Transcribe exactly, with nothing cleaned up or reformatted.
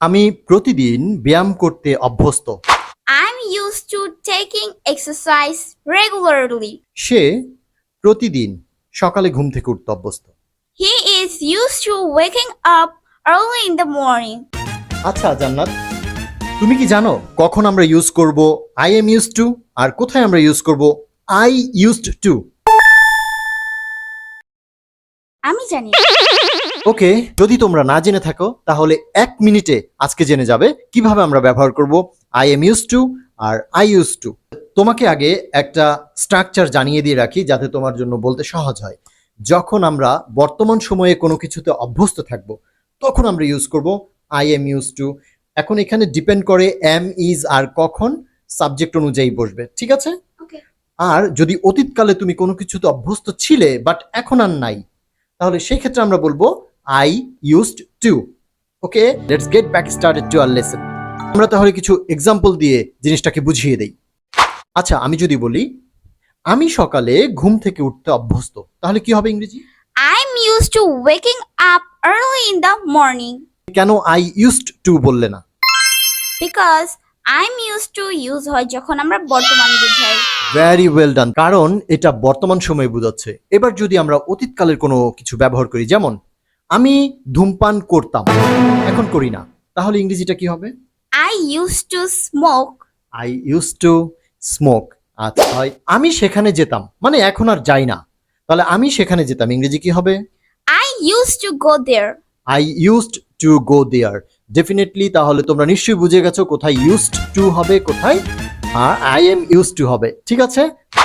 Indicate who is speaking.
Speaker 1: আমি প্রতিদিন ব্যায়াম করতে অভ্যস্ত।
Speaker 2: I'm used to taking exercise regularly.
Speaker 1: সে প্রতিদিন সকালে ঘুম থেকে উঠতে অভ্যস্ত।
Speaker 2: He is used to waking up early in the morning.
Speaker 1: আচ্ছা জান্নাত, তুমি কি জানো কখন আমরা ইউজ করব আই এম ইউজড টু আর কোথায় আমরা ইউজ করব আই ইউজড টু?
Speaker 2: আমি জানি।
Speaker 1: ওকে, যদি তোমরা না জেনে থাকো তাহলে এক মিনিটে আজকে জেনে যাবে কিভাবে আমরা ব্যবহার করব আই এম ইউজড টু আর আই ইউজ টু। তোমাকে আগে একটা স্ট্রাকচার জানিয়ে দিয়ে রাখি যাতে তোমার জন্য বলতে সহজ হয়। যখন আমরা বর্তমান সময়ে কোনো কিছুতে অভ্যস্ত থাকব তখন আমরা ইউজ করব আই এম ইউজড টু। এখন এখানে ডিপেন্ড করে এম ইজ আর কখন সাবজেক্ট অনুযায়ী বসবে, ঠিক আছে?
Speaker 2: ওকে।
Speaker 1: আর যদি অতীতকালে তুমি কোনো কিছুতে অভ্যস্ত ছিলে বাট এখন আর নাই, তাহলে সেই ক্ষেত্রে আমরা বলবো I used to. Okay, let's get back started to our lesson. আমরা তাহলে কিছু এক্সাম্পল দিয়ে জিনিসটাকে বুঝিয়ে দেই। আচ্ছা, আমি যদি বলি আমি সকালে ঘুম থেকে উঠতে অভ্যস্ত, তাহলে কি হবে ইংরেজি?
Speaker 2: I'm used to waking up early in the morning
Speaker 1: কেন আই ইউজড টু বললে না?
Speaker 2: because I'm used to use হয় যখন আমরা বর্তমান বুঝাই।
Speaker 1: ভেরি ওয়েল ডান, কারণ এটা বর্তমান সময়ে বোঝাচ্ছে। এবার যদি আমরা অতীতকালের কোনো কিছু ব্যবহার করি, যেমন আমি ধূমপান করতাম, এখন করি না, তাহলে ইংরেজিটা কি হবে?
Speaker 2: I used to smoke.
Speaker 1: I use to smoke. আচ্ছা, হয় আমি সেখানে যেতাম, মানে এখন আর যাই না, তাহলে আমি সেখানে যেতাম ইংরেজি কি হবে?
Speaker 2: I used to go there.
Speaker 1: I used to go there. Definitely, তাহলে তোমরা নিশ্চয়ই বুঝে গেছো কোথায় ইউজড টু হবে, কোথায় আর আই এম ইউজড টু হবে, ঠিক আছে?